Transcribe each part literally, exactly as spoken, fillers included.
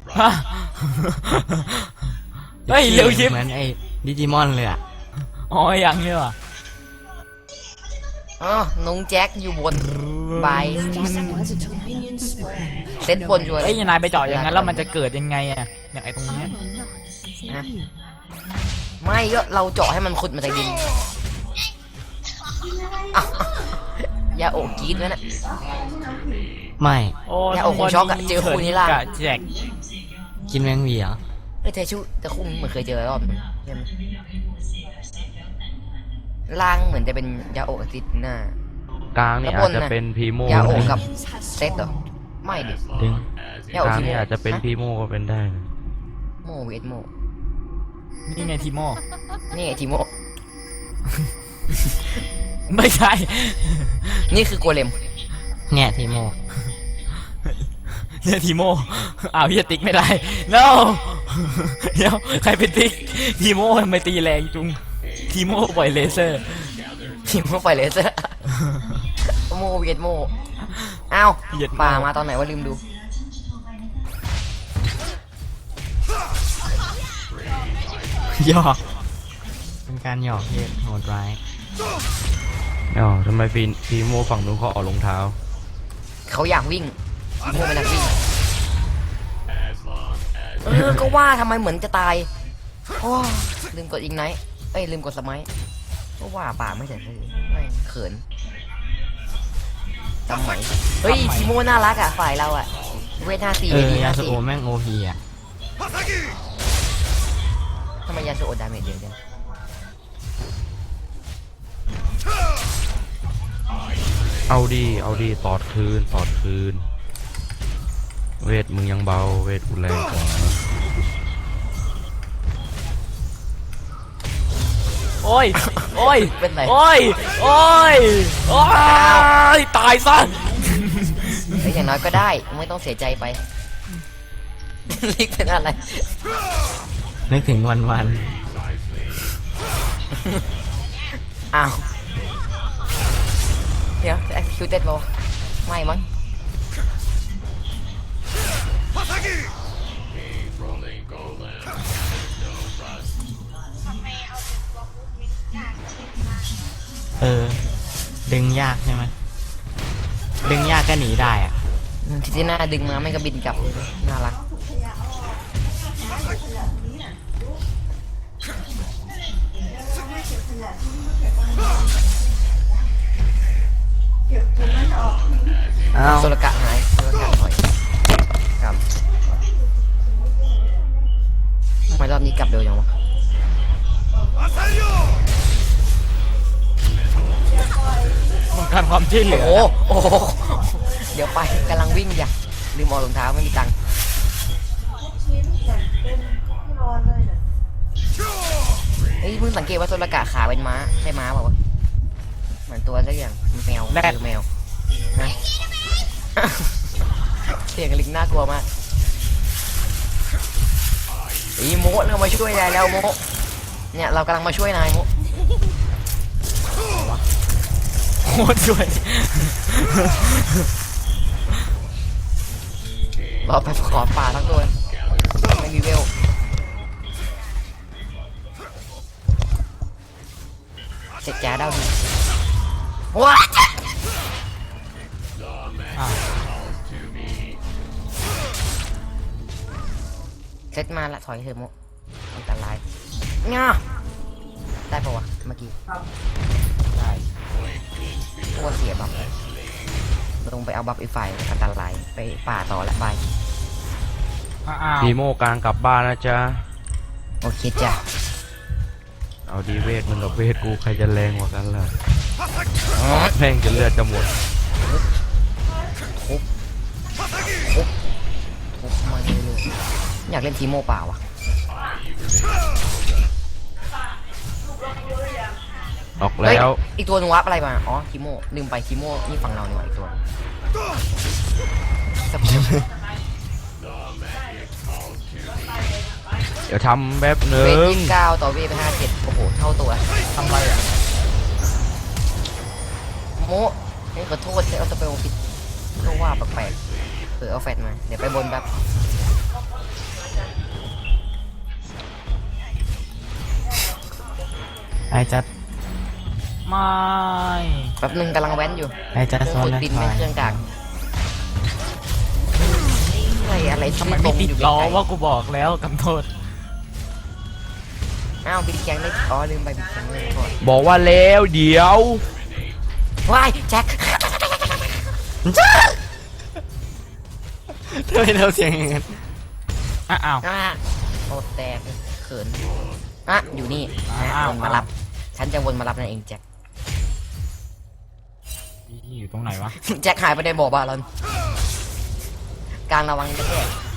เฮ้ยเร็วชิบเหมือนไอ้ดิจิมอนเลยอ่ะอ๋อยังเนี่ยว่ะอ๋อน้องแจ็คอยู่บนบายเซตบนช่วยเอ้ยนายไปเจาะอย่างนั้นแล้วมันจะเกิดยังไงอะอย่างไอ้ตรงนี้นะไม่ก็เราเจาะให้มันขุดมาจากดินอย่าโอบกรีดไว้นะไม่โอ้อย่าอกคงช็อกอะเจอคู่นี้ล่ะกะแจกกินแมงวีเหรอเอ้ยแต่ชูแต่คู่เหมือนเคยเจอรอบนึงใช่ไหมล่างเหมือนจะเป็นยาโอกติดหน้ากลางนี่อาจจะเป็นพีโมยาโอกกับเซตเหรอไม่ดิดึงยาก โอลางทีโมนี่อาจจะเป็นพีโมก็เป็นได้นะโมเวทโมนี่ไงทีโมนี่ไงทีโมไม่ใช่นี่คือโกเลมแง่ทีโมเนี่ยทีโมอ้าวเฮียติ๊กไม่ได้ no เดี๋ยวใครเป็นติ๊กทีโมทำไมตีแรงจุงทีโมปล่อยเลเซอร์ทีโมไฟเลเซอร์โมเวทโมอ้าวป่ามาตอนไหนว่าลืมดูหยอกเป็นการหยอกที่โหดร้ายอ๋อทำไมพีพีโมฝั่งนู้นเขาออกรองเท้าเขาอยากวิ่งโมเป็นนักวิ่งเออก็ว่าทำไมเหมือนจะตายโอ้ลืมกดอีกไนท์เอ้ยลืมกดสมัยก็ว่าป่าไม่เสร็จเลยไม่เขินจำไหมเฮ้ยทีโมน่ารักอ่ะฝ่ายเราอ่ะเวทห้าสี่เอเวอทียาห้าสสี่โอแม่งโอพีอ่ะทำไมยาสูโอดาเมจเยอะจังเอาดีเอาดีตอดคืนตอดคืน เวทมึงยังเบาเวทกูแรงกว่าโอ้ยโอ้ยเป็นไรโอ้ยโอ้ยโอ้ยตายซะเฮ้ยอย่างน้อยก็ได้ไม่ต้องเสียใจไป ลิกเป็นอะไรนึกถึงวันวันอ้าวเดี๋ยวจะ executed ป่าวะไม่มั้งเออ ดึงยากใช่ไหมดึงยากก็หนีได้อ่ะที่ที่หน้าดึงมาไม่ก็บินกลับน่ารักอ้าวโซลกะหายโซลกะถอยกลับทำไมรอบนี้กลับเร็วจังวะต้องการความช่วยเหลือโอ้โอ้โหเดี๋ยวไปกำลังวิ่งอย่าลืมเอารองเท้าไม่มีตังค์เฮ้ยเพิ่งสังเกตว่าโซลกะขาเป็นม้าใช่ม้าเปล่าวะเหมือนตัวสักอย่างแมวแรดแมวนะ เสียงลิงน่ากลัวมากอีโมะเรามาช่วยนายแล้วโมะเนี่ยเรากำลังมาช่วยนายโมะโคตรช่วยรอไปขอป่าทั้งตัวไม่มีเวลเสร็จแจ๊ดเอาดีว้าอ้าวเซตมาละถอยเถอะโมอันตรายง่าได้ปะวะเมื่อกี้ได้ตัวเสียบัฟลงไปเอาบัฟอีกฝ่ายอันตรายไปป่าต่อละบายอ้าวพีโมกลางกลับบ้านนะจ๊ะโอเคจ้ะเอาดีเวทมึงกับเวทกูใครจะแรงกว่ากันล่ะแม่งจะเลือดจะหมดทุบทุบทุบมาเลยๆอยากเล่นทีโมป่าวะออกเฮ้ยแล้วอีกตัวนึงวับอะไรมาอ๋อทีโมลืมไปทีโมนี่ฝั่งเรานี่หว่าอีกตัวสับเดี๋ยวทำแบบหนึ่เวทงยี่สิบเก้าต่อเวทไปห้าเจ็ดโอ้โหเท่าตัวทำไรอ่ะโมเฮ้ยขอโทษที่เอาสเปลผิดก็ว่าแปลกๆเออเอาแฟตมาเดี๋ยวไปบนแบบไอจะไม่แป๊บนึงกำลังแว้นอยู่ไอจะเคโซรื่องนขุดและดินทไม่อยเครื่องกลางอะไรอะไรทำไมตรไม่งติดอยู่ล้อไกลว่ากูบอกแล้วกำโทษอ้าวบิ๊กแกงได้อ๋อลืมไปบิ๊กแกงเลยก่อนบอกว่าแล้วเดี๋ยวว้ายแจ็คทำไมเราเสียงอย่างนั้นอ้าวอ่ะโอ้แตกเขินอ่ะอยู่นี่อ้าววนมารับ ฉันจะวนมารับนั่นเองแจ็คอยู่ตรงไหนวะแจ็คหายไปในบ่อบาลอนกลางระวังจะแค่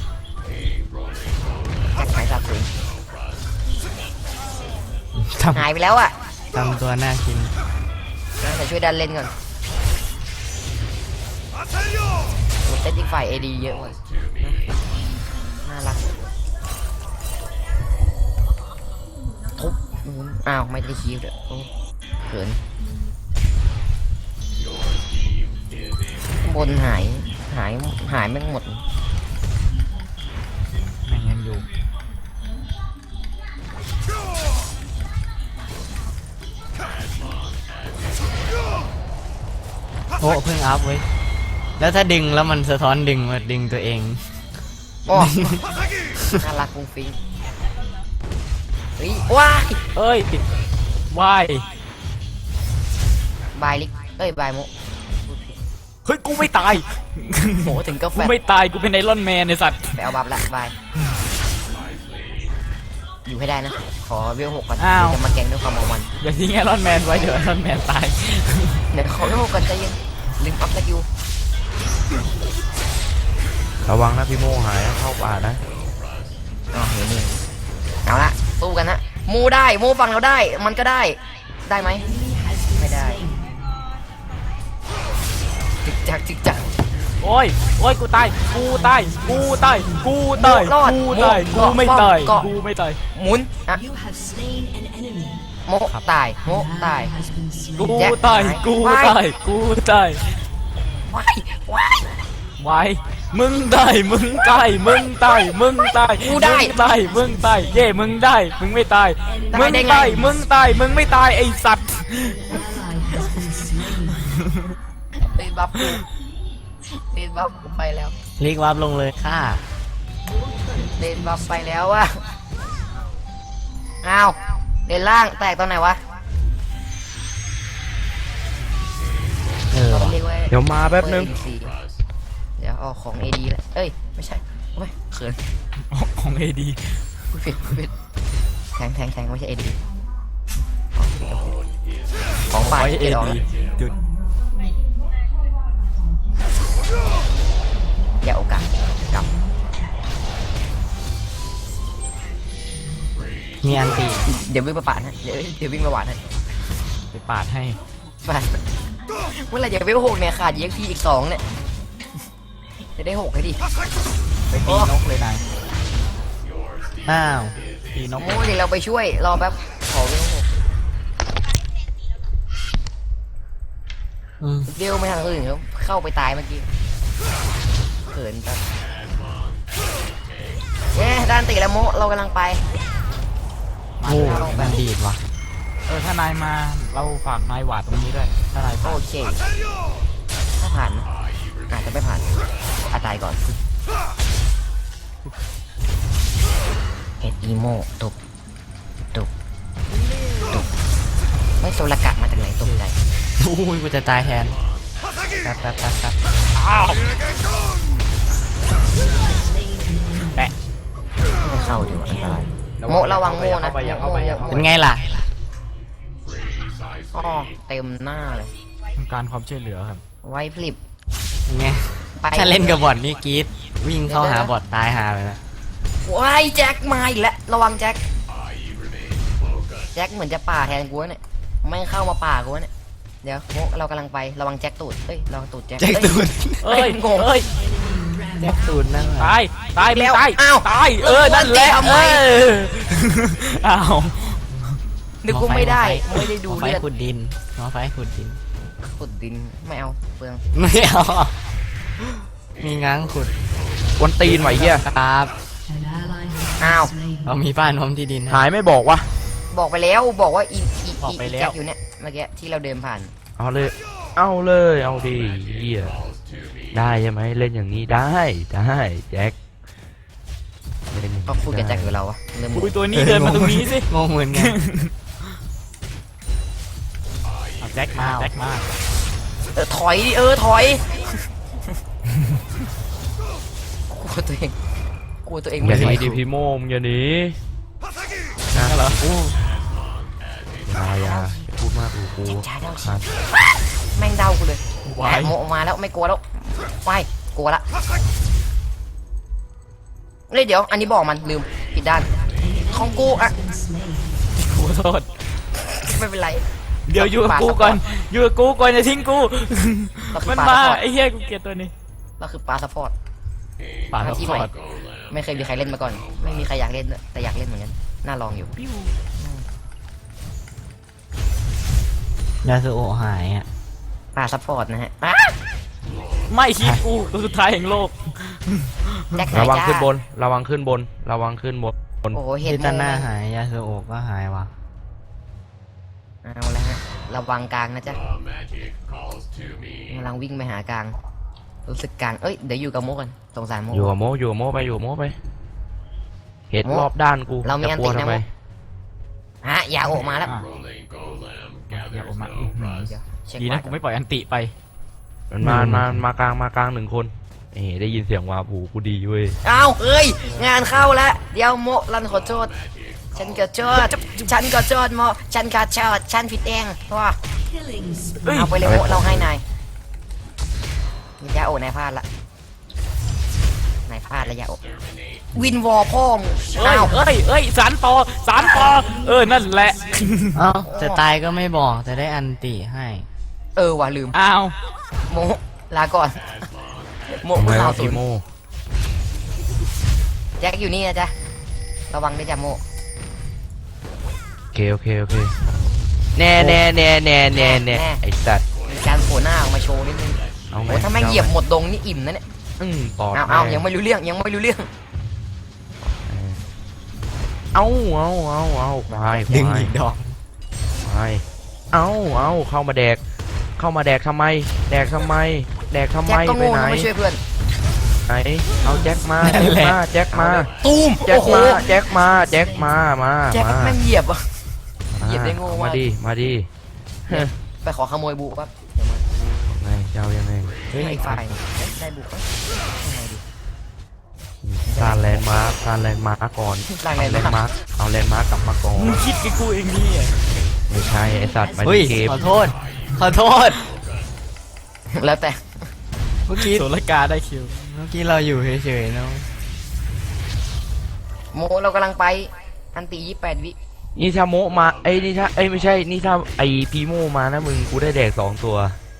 แจ็คหายสับสูญทหายไปแล้วอ่ะำทำตัวน่ากินแต่ช่วยดันเล่นก่อนโอ้เซตอีกฝ่ายเอดีเยอะว่ะน่ารักทุบอืมอ้าวไม่ได้คิวเด้อโอ้เขินบนหายหายหายแม่งหมดแม่งยังอยู่โอ้เพิ่งอัพเว้ยแล้วถ้าดึงแล้วมันสะท้อนดึงมาดึงตัวเองโอ้ น่ารักฟุ้งฟิ้งเฮ้ยว้ายเอ้ยวายบายลิกเอ้ยบายโมเฮ้ยกูไม่ตายโหถึงกาแฟกูไม่ตายกูเป็นไอรอนแมนไอสัตว์ไปเอาบัฟละบายอยู่ให้ได้นะ ขอเวลหกก่อนเดี๋ยวจะมาแกงด้วยความเอามันอย่าทิ้งไอรอนแมนไว้เดี๋ยวไอรอนแมนตายเดี๋ยวขอเวลหกก่อนใจเย็นลืมอัพสกิลระวังนะพี่โมหายนะเข้าป่านะอ๋อเห็นนี่เอาละสู้กันนะโมได้โมฟังเราได้ มันก็ได้ได้ไหมไม่ได้จิกจักจิกจักโอ้ยโอ้ยกูตายกูตายกูตายกูตายรอดกูตายโมกูไม่ตายเกาะกูไม่ตายหมุนอ่ะ You have slain an enemy. โมตายโมตาย Has been slain. กูแจ็คตายหายกูว้ายตายกูตายว้ายว้ายไว้มึงตายมึงตายมึงตายมึงตายกูได้มึงตายมึงตายเย่มึงได้มึงไม่ตายได้มึงได้ไงตายมึงตายมึงไม่ตายไอสัตว์ Ally has been slain. เป็นบัฟกูเป็นบัฟกูไปแล้วลิกวับลงเลยค่ะเล่นบัฟไปแล้วอะอ้าวเล่นล่างแตกตอนไหนวะเออเราว่ะเรียกว่าเดี๋ยวมาแป๊บนึงเปิด A D C เดี๋ยวเอาของ เอ ดี แล้วเอ้ย ไม่ใช่โอ้ยเขินของเอดีพูดผิดพูดผิดแทงแทงแทงไม่ใช่ เอ ดี ของฝ่ายเอเอดออกดีจุดอย่าโอกาสกลับมีอันตีเดี๋ยววิ่งมาปาดให้เดี๋ยวเดี๋ยววิ่งมาหวานให้ไปปาดให้ปาดเมื่อไหรจะเวลหกเนี่ยขาดเย็กพีอีกสองเนี่ย จะได้หกให้ดิไปตีนกเลยนายอ้าวตีนกโอ้ยเดี๋ยวเราไปช่วย รอแป๊บ ขอเวลหกอืมเดี๋ยวไม่ทางอื่นเขาเข้าไปตายเมื่อกี้เขินจังเย้ด้านตีแล้วโมเรากำลังไปโอ้มันดีดว่ะเออถ้านายมาเราฝากนายหวาดตรงนี้ด้วยถ้านายผ่านโอเค ถ้าผ่านนะอาจจะไม่ผ่านอาตายก่อนเอ็ดอีโมตุบตุบตุบไม่โซลกะมาจากไหนตกใจอุ้ยกูจะตายแทนแป๊บแป๊บแป๊บแป๊บแปะไม่เข้าดีกว่าอันตรายโมระวังโมนะเป็นไงล่ะอ๋อเต็มหน้าเลยต้องการความช่วยเหลือครับไว้พลิบเป็นไงไปถ้าเล่นกับบอทนี่กรีดวิ่งเข้าหาบอทตายหาเลยนะว้ายแจ็คมาอีกแล้วระวังแจ็คแจ็คเหมือนจะป่าแทนกูเนี่ยไม่เข้ามาป่ากูเนี่ยเดี๋ยวโมเรากำลังไประวังแจ็คตูดเอ้ยระวังตูดแจ็คแจ็คตูนเอ้ยงงเอ้ยแจ็คตูนนั่งตายตายแล้วตายอ้าวตายเออนั่นแหละทำไมเอออ้าวนึกว่าไม่ได้ไม่ได้ดูไฟเลือดขุดดินหมอไฟขุดดินขุดดินไม่เอาเปลืองไม่เอา มีง้างขุดวันตีนไหวเหี้ยครับ An ally has อ้าว been slain. เรามีบ้านพร้อมที่ดินหายไม่บอกวะบอกไปแล้วบอกว่าอีอีออกไปแล้แจ็วคอยู่เนี่ยเมื่อกี้ที่เราเดินผ่านเอาเลย เอาเลยเอาดิเฮียได้ใช่ไหมเล่นอย่างนี้ได้ได้แจ็คเล่นอย่างนี้เขาพูดกับแจ็คอยู่เราอะเริ่มงงอุ้ยตัวนี้เดินมาตรงนี้สิงงเหมือนกันเอาแจ็คมาแจ็คมาเออถอยดิเออถอยกลัวตัวเองกลัวตัวเองอย่าไม่หไหวนีดิพี่โมงอย่าหนีนั่นเหรออย่าอย่าอย่าพูดมากกูกูจ่ายเดาขาดแม่งเดากูเลยวายแหมโมมาแล้วไม่กลัวแล้วไม่กลัวละเฮ้ยเดี๋ยว อันนี้บอกมันลืมผิดด้านของกูอะ Been slain. ขอโทษไม่เป็นไรเดี๋ยวอยู่กับกูก่อนอยู่กับกูก่อนอย่าทิ้งกูเราคือมันปลามาสปอร์ตไอ้เหี้ยกูเกลียดตัวนี้เราคือปลาสปอร์ตป่าซัพที่พใหม่อร์ตไม่เคยมีใครเล่นมาก่อน ไม่มีใครอยากเล่นด้วยแต่อยากเล่นเหมือนกันน่าลองอยู่ยาสุโอะหายอ่ะปลาสปอร์ตนะฮะอ่ะไม่คิดกูตัวสุดท้ายแห่งโลกแจ็คหาระยวังจ้าขึ้นบน ระวังขึ้นบน ระวังขึ้นบนโอ้โหเห็เฮนตันหน้าโมหายยาสุโอะก็หายวะเอาละฮะระวังกลางนะจ๊ะกำลังวิ่งไปหากลาง รู้สึกกลางเอ้ยเดี๋ยวอยู่กับโมกันสงสารโมอยู่กับโมอยู่กับโมไปอยู่กับโมไป เห็นโมรอบด้านกูเรามีจะกลัวอันตินะทำไมโม ฮะอย่าโออกมาแล้วอ่ะอย่าออกมาอื้อหือเดี๋ยวเช็คดีนะวัดกูไม่ปล่อยอันติไปมันมามา มากลาง มากลางหนึ่งคน เอ้ได้ยินเสียงวาผูกูดีเว้ยอ้าวเอ้ยงานเข้าแล้วเดี๋ยวโมรันขอโทษฉันก็โทษฉันก็โทษโมฉันก็โทษฉันผิดเองว่า Killing spree. เอ้ยเอาไปเลยโมเราให้นายยาโอนายพลาดละนายพลาดแล้วยาโอวินวอลพ่อมงเอ้ยอ้าวเอ้ยเอ้ยสารต่อสารต่อเออนั่นแหละเอ้าจะตายก็ไม่บอกแต่ได้อันติให้เออว่ะลืมอ้าวโมลาก่อนโมทำไมผู้สาววะศูพี่นย์โมแจ็คอยู่นี่นะจ๊ะระวังด้วยจ้ะโมโอเคโอเคโอเค แน่แน่แน่แน่แน่แน่ไอ้สัตว์มีการโผล่หน้าออกมาโชว์นิดนึงเอาไงโอ้ถ้าแม่งเหยียบหมดดงนี่อิ่มนะเนี่ยอืมตอดเอาเอาแม่ยังไม่รู้เรื่องยังไม่รู้เรื่องเอาเอาเอาเอาควายคดึงวายอีกดอกควายเอาเอาเข้ามาแดก เข้ามาแดกทำไม แดกทำไม แดกทำไมแจ็คก็ไปโง่ไหนนะไม่ช่วยเพื่อนไหนเอาแจ็คมาแจ็คมาแจ็คมาตูมแจ็คโอ้โหมาแจ็คมาแจ็คมามาแจ็คมาแม่งเหยียบอะ เหยียบได้โง่เอามากมาดิมาดิเฮ้ยไปขอขโมยบุปั๊บเดี๋ยวมาไงเจ้ายังไงเฮ้ยไอ้ฝ่ายเอ๊ะได้บุปั๊บยังไงดีสร้างแลนด์มาร์คสร้างแลนด์มาร์คก่อนสร้างแลนด์มาร์คเอาแลนด์มาร์คกลับมาก่อนมึงคิดกับกูเองนี่อ่ะไม่ใช่ไอสัตว์มาเฮ้ยเกมขอโทษ ขอโทษแล้วแต่เมื่อกี้โซลกาได้คิวเมื่อกี้เราอยู่เฉยๆเนาะโมเรากำลังไปอันตียี่แปดวินี่ถ้าโมมาไอ้ยนี่ถ้าไอ้ยไม่ใช่นี่ถ้าไอ้พีโมมานะมึงกูได้แดกสองตัว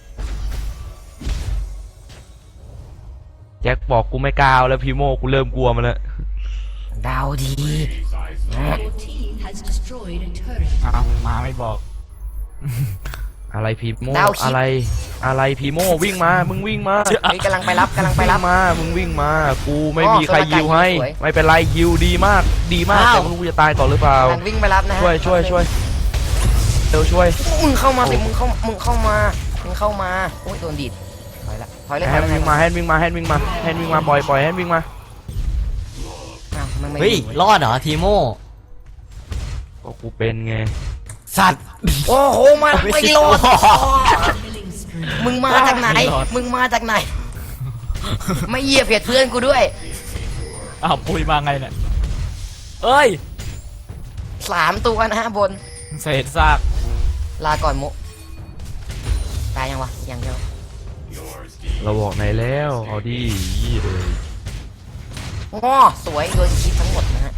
แจ็คบอกกูไม่กล้าเอาแล้วพีโมกูเริ่มกลัวมันแล้วดาวดี Your team has destroyed a turret. อ้าวมาไม่บอกอะไรพีโมดาวคิดอะไรอะไรพีโมวิ่งมามึงวิ่งมาเฮ้ยกำลังไปรับกำลังไปวิ่รับงมามึงวิ่งมากูไม่อ๋อมีใครโซลาร์ยิวให้สวยไม่เป็นไรยิวดีมากดีมากอ้าวแต่ไม่รู้กูจะตายก่อนหรือเปล่ากำลังวิ่งไปรับนะฮะช่วยช่วยช่วยเร็วช่วยมึงเข้ามาสิมึงเข้ามึงเข้ามามึงเข้ามาโอ้ยโดนดีดถอยละถอยเลยแฮถอยนเลยวิ่งมาแฮนวิ่งมาแฮนวิ่งมาแฮนวิ่งมาปล่อยปล่อยแฮนวิ่งมาอ้าวมันไม่เฮ้ยอยู่รอดเหรอทีโมก็กูเป็นไงสัตว์โอ้โหมันไม่รอด Killing spree. มึงมาจากไหน มึงมาจากไหน ไม่เหยียบเพียดเพื่อนกูด้วยอ้าวปุยมาไงเนี่ยเอ้ยสามตัวนะฮะบนเศษซากลาก่อนมุตายยังวะยังเดียวเราบอกไหนแล้วเอาดิยี่เลยง้อสวยโดนคิดทั้งหมดนะฮะ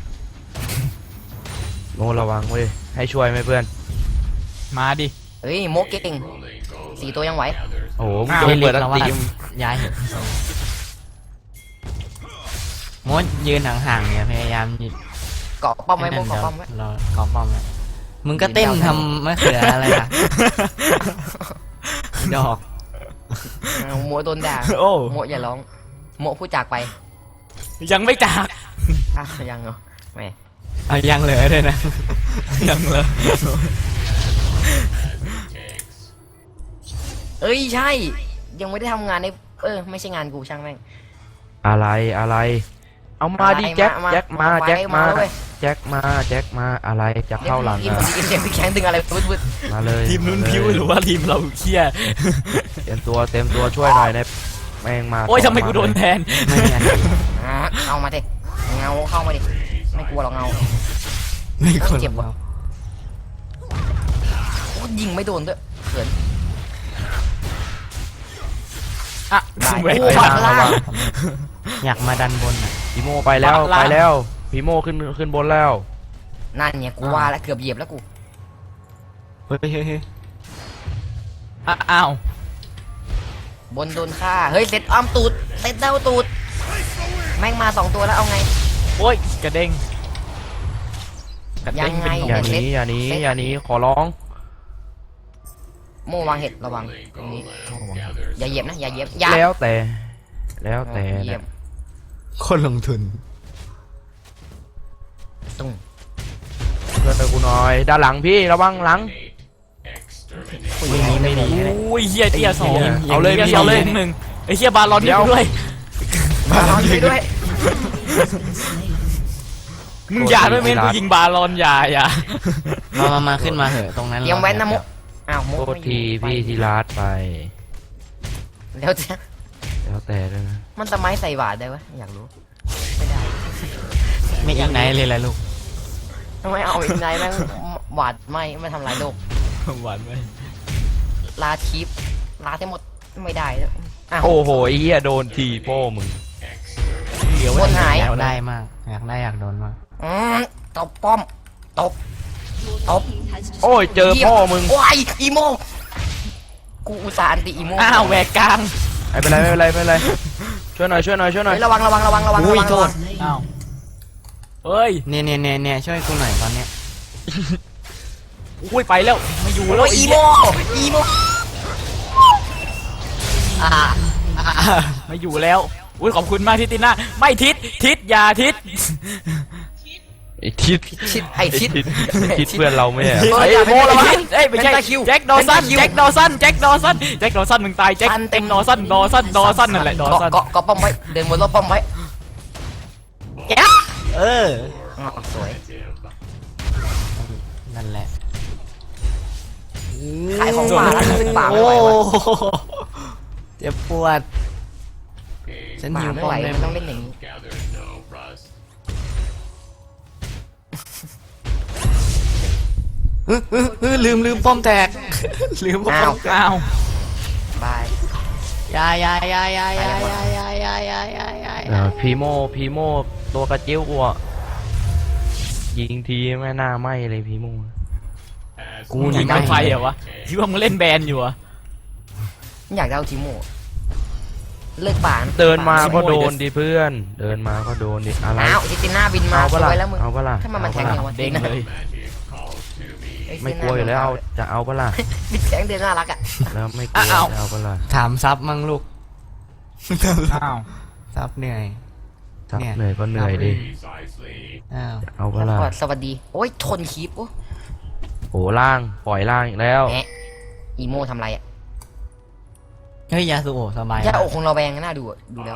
โนระวังเว้ยให้ช่วยไหมเพื่อนมาดิเฮ้ยโมเก่งสี่ตัวยังไหวโอ้โหมึงอ้าวจะไปเปิดอันแล้วว่าติมย้ายเหอะมดยืนห่างๆเนี่ยพยายามยืนเกาะป้อมไว้โมเกาะป้อมไว้รอเกาะป้อมไว้มึงก็เต้นทำมะเขืออะไรอ่ะ ดอกอ้าวโมโดนด่าโอ้โมอย่าร้องโมพูดจากไปยังไม่จากอ้าวยังเหรอแหมเอายังเหลือเลยนะยังเลยเอ้ยใช่ ยังไม่ได้ทำงานในเออไม่ใช่งานกูช่างแม่งอะไรอะไร เอามาดิอะไรแจ็คมาแจ็คมามาแจ็คมามาเว้ยแจ็คมาแจ็คมาอะไรจะเข้าหลังเดี๋ยวอ่ะพี่เดี๋ยวพี่แข็งดึงอะไรวึดวึดมาเลยทีมนู้นมาเลยพิ้วหรือว่าทีมเราเคี้ยเต็มตัวเต็มตัวช่วยหน่อยนะแม่งมาโอ้ยสทำงไมกูโดนแทนไม่มีอันตีอ่ะเอามาดิเงาเข้ามาดิไม่กลัวหรอกเงาไม่คนเจ็บว่ะ โอ้ยิงไม่โดนด้วยเขินอ่ะได้แหวกโอ้กลางล่างอยากมาดันบนอ่ะพีโมไปแล้วล่างไปแล้วพีโมขึ้นขึ้นบนแล้วนั่นเนี่ยกูว่าแล้วเกือบเหยียบแล้วกูเฮ้ยเฮ้ยเฮ้ยอ่ะอ้าวบนโดนฆ่าเฮ้ยเซตอ้อมตูดเซตเด้าตูดแม่งมาสองตัวแล้วเอาไงโอ้ยกระเด้งกระเด้ยังไงเป็นอย่าขหนีอย่าหนีอย่าหนีขอร้องโมวางเห็ดระวังตรงนี้อย่าเหยียบนะอย่าเหยียบอย่าแล้วแต่ แล้วแต่เหยียบนะคนลงทุนตุ้งเพื่อนไปกูหน่อยด้านหลังพี่ระวังหลังอย่างนี้ไม่ดีเลยโอ้ยเฮียเตี้ยสองเอาเลยหี้พี่เอาเลยเอาเลยหนึ่งไอ้เฮียบาลอนเดี๋ยวด้วยมาลองช่วยด้วยมึงอย่าด้วยเมนกูยิงบาลอนอย่าอย่ามามามาขึ้นมาเหอะตรงนั้นเตรียมแว้นนะมุกอ้าวมุกโทษไม่อยู่ทีพี่ทีลาดไปแล้วจะแล้วแต่ด้วยนะมันทำไมใส่บาทได้วะอยากรู้ไม่ได้ไม่อีกไหนเลยแหละลูกทำไมเอาอีกไหนแม่งหวาดไม่ไม่ทำลายโลกหวานไหมลาทิปลาทั้งหมดไม่ได้แล้วอ้าวโอ้โหไอ้เหี้ยโดนทีโป้มึงเดี๋ยวคนหายอยากได้มาก อยากได้อยากโดนมากอืมตบป้อมตบ Your team has โอ้ย destroyed เจอพ่อมึงโอ้ยอีโมกูอุตส่าห์อันติอีโมอ้าวแหวกกลางไม่เป็นไรไม่เป็นไรไม่เป็นไรช่วยหน่อยช่วยหน่อยช่วยหน่อยเฮ้ยระวังระวังระวังระวังอุ้ยระวังโทระวัษงอ้าวเฮ้ยเนี่ยเนี่ยเนี่ยเนี่ยช่วยกูหน่อยตอนเนี้ยอุ้ยไปแล้วไม่อยู่แล้วโอ้ยอีโมอีโมอ่าไม่อยู่แล้วอุ้ยขอบคุณมากทิติน่าไม่ทิศทิศอย่าทิศไอ้ทิศชิดไอชิดไอ้ทิศเพื่อนเราไม่ใช่เหรอเฮ้ไอ้ยอย่าโมระวังเอ้ยไม่ใช่เป็นตาคิวแจ็คดอสันเป็นตาคิวแจ็คดอสันแจ็คดอสันแจ็คดอสันมึงตายแจ็คทันเต็เต็มมดอสันดอสันดอสันนั่นแหละดอเกาะสันเกาะเกาะป้อมไว้เดินบนรอบป้อมไว้เอออ๋อสวยนั่นแหละขายของป่าแล้วขึ้นป่าไม่โอ้ไหววะเจ็บปวด ฉันป่าหิวไม่ป้อไหวมได้มันไหมต้องเล่นอย่างนี้เออเออเออลืมลืมป้อมแตก ลืมป้ออ้าวมแตกอ้าวบายยายายายายายายายายายายาเออพีโมพีโมตัวกระจิ้วกูอะยิงทีไม่น่าไหมเลยพีโมกูยินี่งไม่กับไฟเหรอวะคิดว่ามึงเล่นแบนอยู่เหรอะอยากได้เอาทีโมเลิกป่าเดินมาชิโม่ก็โดนเดี๋ยวดิเพื่อน เดินมาก็โดนดิอะไรอ้าวจิติน่าบินมาเอาสปะล่ะวยแล้วมึงเอาปะล่ะถ้ามันมันแทงเอายังปะล่ะวะเด้งเลยอ้ไม่กลัวอยู่แล้วเอาจะเอาปะล่ะบิดแทงเดินน่ารักอ่ะแล้วไม่กลัวอ้าวจะเอาปะล่ะถามซับมั่งลูกอ้าวซับเหนื่อยทับเนี่ยเหนื่อยก็เหนื่อยดิอ้าวเอาปะแล้วล่ะก็สวัสดี โอ้ยทนคีบโอ้โอ้ล่างปล่อยล่างอีกแล้วแหมอีโมทำไรอ่ะเฮ้ยยาสูโอสบายย่านะอกของเราแบงน่าดูอะดูแล้ว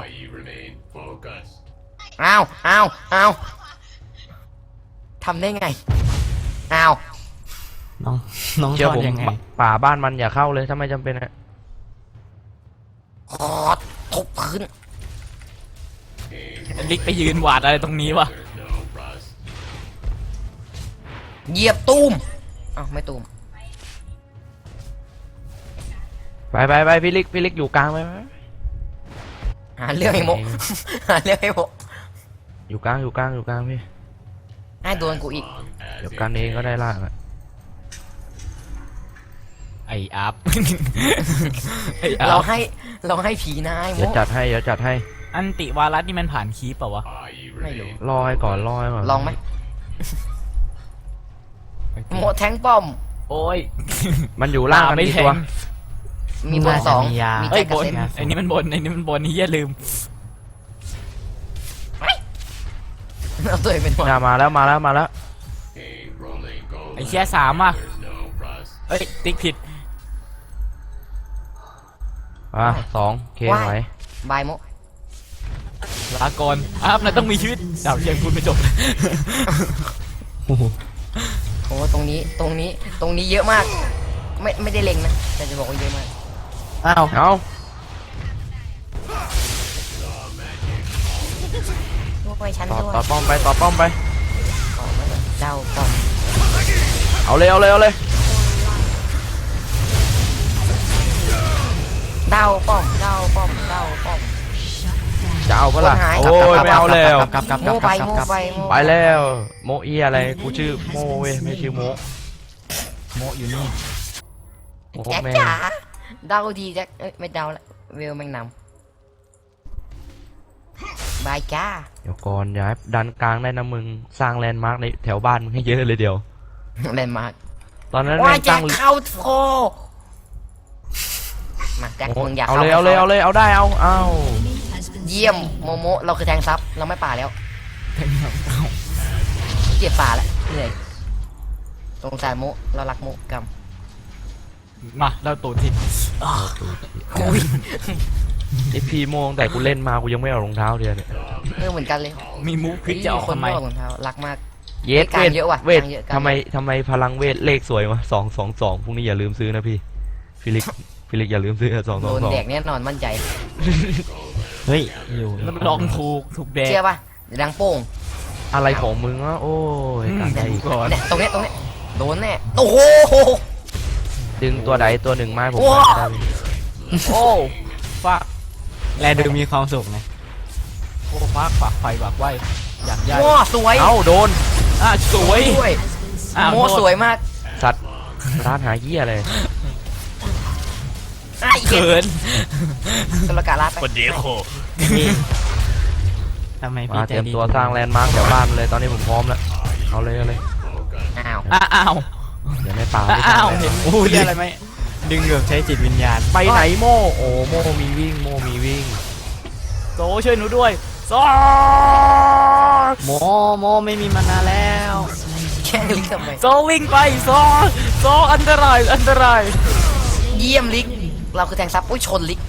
อ้าวอ้าวอ้าวทำได้ไงอ้าวน้องน้องเชื่อทอดผมยังไงป่าบ้านมันอย่าเข้าเลยถ้าไม่จำเป็นอะขอดทุบพื้นลิกไปยืนหวาดอะไรตรงนี้วะเหยียบตูมอ้าวไม่ตูมไปไปไปพี่ลิกพี่ลิกอยู่กลางไปไหมหาเรื่องให้โม หาเรื่องให้โมอยู่กลางอยู่กลางอยู่กลางพี่ให้โดนกูอีกเดี๋ยวกันเองก็ได้ล่างอะไอ้อัพ ไอ้อัเราพให้เราให้ผีนายโมเดี๋ยวจัดให้เดี๋ยวจัดให้อันติวารัสนี่มันผ่านคีปเปล่าวะไม่รู้รอให้ก่อนรอให้ก่อนลองไหมโมแทงป้อมโอ้ยมันอยู่ล่างกันไม่กี่แทตัวงมีบนสองมีเอ้แจ็ยคกับบนเซนไอ้นี่มันบนไอ้นี่มันบนนี่อย่าลืมเอาตัวเองเป็นหัวน่ามาแล้วมาแล้วมาแล้วไอ้แค่สามอ่ะอ้ยติ๊กผิดอ่ะสองเคว้ายไหวบายโมลาก่อนอ้าวนายต้องมีชีวิตดาวยังพูดไม่จบเลยโอ้โหโอ้ตรงนี้ตรงนี้ตรงนี้เยอะมาก ไม่ไม่ได้เล็งนะแต่จะบอกว่าเยอะมากอ้าวเอาพวกไปชั้นต่อด้วยต่อป้อมไปต่อป้อมไปต่อมาเลยเดาป้อมเอาเลยเอาเลยเอาเลยเดาป้อมเดาป้อมเดาป้อมจะเอาเปะล่าคนหายโอ้ยไม่เอาแล้วกลับกลับกโมลับกไปลับโมกลับไปโมไปแล้วโมอีอะไรกูชื่อโมเว้ยไม่ชื่อโมโมอยู่นี่โมแจ็คแม่งจ๋าเดาดีแจ็คเอ้ยไม่เดาละเวลแม่งนำบายจ้าเดี๋ยวก่อนอย่าให้ดันกลางได้นะมึงสร้างแลนด์มาร์กในแถวบ้านมึงให้เยอะเลยเดียวเล่นมากตอนนั้นว่าแม่งแจ็ตั้คงเข้าโทมาแจ็คโมมึงอยากเอาเข้าเลยเอาเลยเอาเลยเอาได้เอาเอา Has been เยี่ยมโมโมเราคือแทงซับเราไม่ป่าแล้วแทงเอาเอาเกลียดป่าแล้วเหนื่อยสงสารโมเรารักโมกรรมมาแล้วตัวทีอุ้ยไอพีโมงแต่กูเล่นมากูยังไม่เอารองเท้าเดียวเนี่ยเออเหมือนกันเลยมีมูฟควิกจะออกคนทำไมไม่ออกรองเท้ารักมากเยสกลาเวงทเยอะว่ะเวทกลางเยอะกลางทำไมเยอะทำไมพลังเวทเลขสวยวะสองสองสองพรุ่งนี้อย่าลืมซื้อนะพี่ฟิลิกฟิลิกอย่าลืมซื้อสองสโดองนสองแดกแน่นอนมั่นใจเฮ้ยอยู่แล้วลองถูกถูกแดงเชื่อป่ะเดี๋ยวดังโป้งอะไรของมึงวะโอ้ยอืมการใจดูก่อนเนี่ยตรงเนี้ยตรงเนี้ยโดนแน่โอ้โหดึงตัวใดตัวหนึ่งมาให้ผมโอ้หน่อยได้ไหมโอ้ฟากแลดูมีความสุขนะโอ้ฟากฝากไฟฝากไว้อยากย้ายโอ้สวยเอ้าโดนอ่ะสวยด้วยอ้าวโมโทษสวยมากสัตว์ร้านหาเหี้ยอะไรไอ้เหี้ยเขินตุลกาลาไปคนเดียวโคพี่ทำไมพี่มาใจเตรียมดีตัวสร้างแลนด์มาร์กแถวบ้านเลยตอนนี้ผมพร้อมแล้วเอาเลยเอาเลยอ้าวอ้าอ้าวเดี๋ยวในป่าอ้าไม่อ้าวทำเห็นโอ้มูฟยเหี้ยอะไรไหมดึงแบบใช้จิตวิญญาณไปไหนโมโอ้โมมีวิ่งโมมีวิ่งโซช่วยหนูด้วยโซโมโมไม่มีมานานแล้วแค่ลิกทำไมโซวิ่งไปโซโซอันตรายอันตรายเยี่ยมลิกเราคือแทงซับอุ้ยชนลิก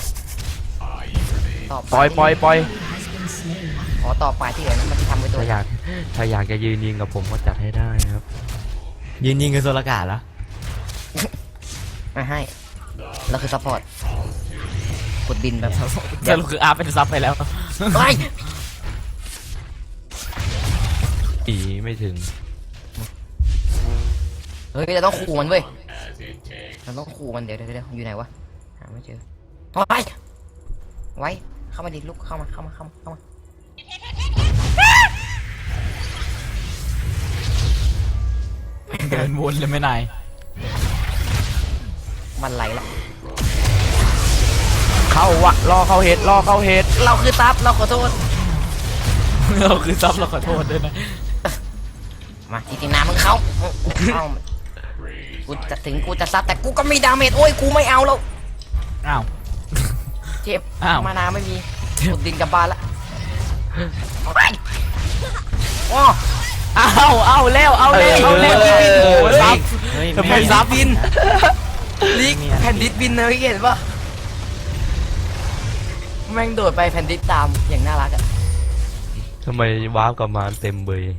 ต่อปล่อยปล่อยปล่อยขอต่อไปที่เหลือนั้นมันจะทำไว้ตัวถ้าอยากถ้าอยากจะยืนยิงกับผมก็จัดให้ได้นะครับยืนยิงกับโซลกาเหรอมาให้เราคือซัพพอร์ตกดบินแบบสรุปคืออาร์เป็นซับไปแล้วเฮ้ยปีไม่ถึงเฮ้ยเราต้องขู่มันเว้ยเราต้องขู่มันเดี๋ยวเดี๋ยวเดี๋ยวอยู่ไหนวะหาไม่เจอไว้ไว้เข้ามาดิลูกเข้ามาเข้ามาเข้ามาเข้ามาเดินวนเลยไม่นายมันไหลละเข้าวะรอเข้าเห็ดรอเข้าเห็ดเราคือซับเราขอโทษเราคือซับเราขอโทษด้วยนะมาทีทีน้ำมึงเข้าเข้ากูจะถึงกูจะซับแต่กูก็มีดาเมจโอ้ยกูไม่เอาแล้วอ้าวเจ็บอ้าวมานาไม่มีกดดินกลับบ้านละไปโอ้อ้าวเอาแล้วเอาแล้วเอาแล้วโอ้โหซับเฮ้ยทำไมไม่ซับบินลิกแผ่นดิสบินนะพี่เห็นปะแม่งโดดไปแผ่นดิสตามอย่างน่ารักอะทำไมวาร์ปกลับมาเต็มเบย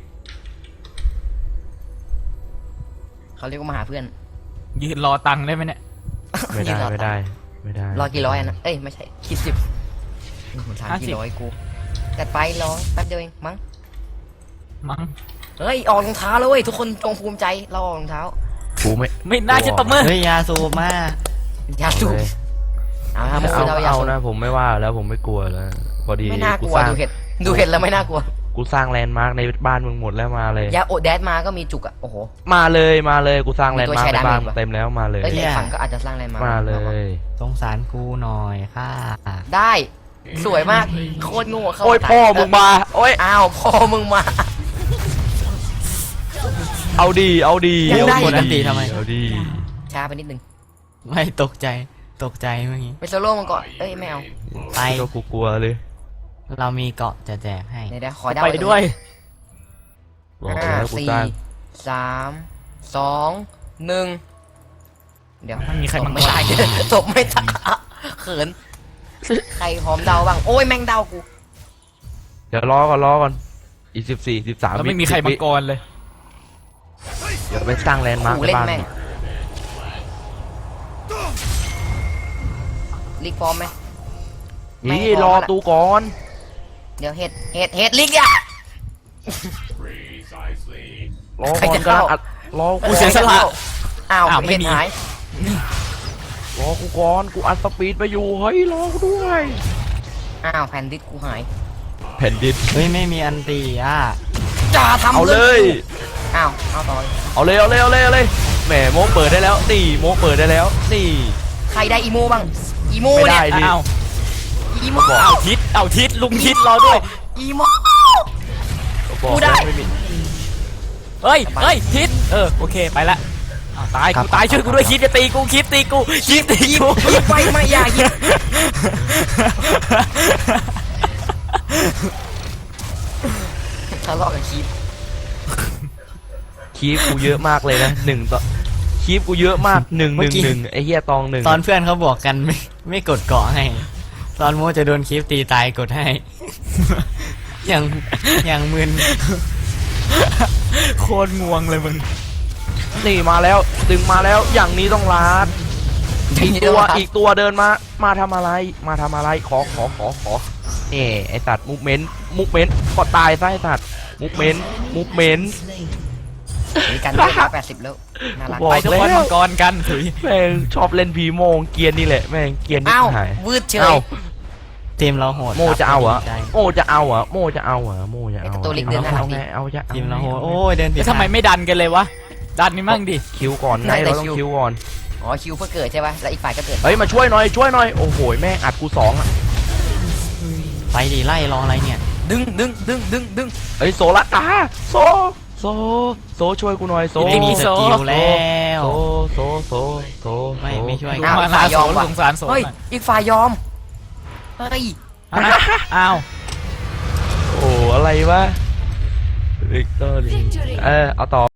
เขาเรียกว่ามาหาเพื่อนยืนรอตังค์ได้ไหมเนี่ยไม่ได้ยืนรอไม่ได้ไม่ได้รอกี่ร้อยอะนะเอ้ยไม่ใช่คิดสิบผมถามกี่ร้อยกูจัดไปรอแป๊บเดียวเองมั้งมั้งเฮ้ยออกรองเท้าแล้วเว้ยทุกคนจงภูมิใจเราออกรองเท้ากูไม่ไม่น่าจะตบมือเฮ้ยยาสูบมาอย่าสูบเลยเอาครับเอาเราอย่าเอาสูบนะผมไม่ว่าแล้วผมไม่กลัวแล้วพอดีไม่น่ากลัวสร้างดูเห็ดดูเห็ดแล้วไม่น่ากลัวกูสร้างแลนด์มาร์กในบ้านมึงหมดแล้วมาเลยยาโอดแดดมาก็มีจุกอะโอ้โหมาเลยมาเลยกูสร้างมีแลนตัวด์มาร์กใช้ในดาเมจบ้านปะเต็มแล้วมาเลยเอ้ยในฝั่งก็อาจจะสร้างอะไรมามามาเลยสงสารกูหน่อยค่ะได้สวยมากโคตรโง่เข้าโอ้ยตาพ่อมึงมาโอ้ยอ้าวพ่อมึงมาเอาดีเอาดียังได้เอากดอันตีทำไมเอาดีช้าไปนิดนึงไม่ตกใจตกใจเมื่อกี้ไปโซโล่มันก่อนเอ้ยไม่เอาไปก็กูกลัวเลยเรามีเกาะจะแจกให้เดี๋ยวเดี๋ยวขอเดาไปด้วยบอกห้าแล้วกูสี่สร้างสามสองหนึ่งเดี๋ยวมันมีใครตมับงไม่กรได้ ตบไม่ได้เขิน ใครพร้อมเดาบ้าง โอ้ยแม่งเดากูเดี๋ยวรอก่อนรอก่อนอีกสิบสี่สิบสามแล้วไม่มีใครมังกรเลยเดี๋ยวไปสร้างแลนด์มาร์คกูในเล่นบ้านแม่งลีกพร้อมไหม ไม่นี่พรออละตูก่อนเดี๋ยวเห็ดเห็ดเห็ดลีกอ่ะรอใครก่อนจะกำลัเข้างอัดรอกูกูเสียสละอ้าวอ้าวไม่เห็ดมีหายรอกูก่อนกูอัดสปีดไปอยู่เฮ้ยรอกูด้วยอ้าวแผ่นดิสกูหายแผ่นดินเฮ้ยไม่มีอันตีอ่ะจ่าทำเอาเลยอ้าวเอาต่อเอาเลยเอาเลยเอาเลยเอาเลยแหมโมเปิดได้แล้วนี่โมเปิดได้แล้วนี่ใครได้อีโมบ้างอีโมไม่เนี่ได้ยดิอ้าวอีโมบอกเอาทิศเอาทิศลุงทิศรอด้วยอีโมบอกกูได้แล้วไม่มีเฮ้ยเฮ้ยทิศเออโอเคไปละอ้าวตายครับกูตายช่วยกูด้วยคิดจะตีกูคิดตีกูคิดตีกูยิบไปไม่อยากยิบทะเลาะกับคีบคีฟกูเยอะมากเลยนะหนึ่งต่อคีฟกูเยอะมากหนึ่งหนึ่งหนึ่งไอ้เหี้ยตองหนึ่งตอนเพื่อนเขาบอกกันไม่ไม่กดเกาะให้ ตอนโมจะโดนคลิปตีตายกดให้ อย่างอย่างมึนโคตรงวงเลยมึงนี่มาแล้วดึงมาแล้วอย่างนี้ต้องลาดอีกตัวอีกตัวเดินมามาทำอะไรมาทำอะไรขอขอขอขอเอ่ไอสัตว์มุกเมนต์มุกเมนต์ก็ตายซะไอสัตว์มุกเมนต์มุกเมนต์มีกันได้ร้อยแปดสิบแล้วน่ารักบอกไปทุกคนแล้วมังกรกันถุยแม่งชอบเล่นพีโมงเกียร์นี่แหละแม่งเกียร์นี่อ้าวหายวืดเฉเอ้ายทีมเราโหดโมจะเอาเหรอดีใจโมจะเอาเหรอโมจะเอาเหรอโมจะเอาไอ้เหรอตัวเล็กเดินหน้าเอาหลังไงเอาจะเอาทีมเราโหดไงโอ้ยเดินผิดแล้วทำไมไม่ดันกันเลยวะดันนี่มั่งดิคิวก่อนไงเราต้องคิวก่อนอ๋อคิวเพื่อเกิดใช่ป่ะแล้วอีกฝ่ายก็เกิดเฮ้ยมาช่วยหน่อยช่วยหน่อยโอ้โหแม่งอัดกูสองอ่ะไปดีไล่รออะไรเนี่ยดึงดึงดึงดึงดึงเฮ้ยโซลัดตาโซโซโซช่วยกูหน่อยโซไม่มีสกิลแล้วโซโซโซโซไม่ไม่ช่วยดูมาลาโสสงสารโสเฮ้ยหน่อยอีกฝ่ายยอมเฮ้ยอ้าวโอ้อะไรวะวิกตอรี่ Victory. เออเอาต่อ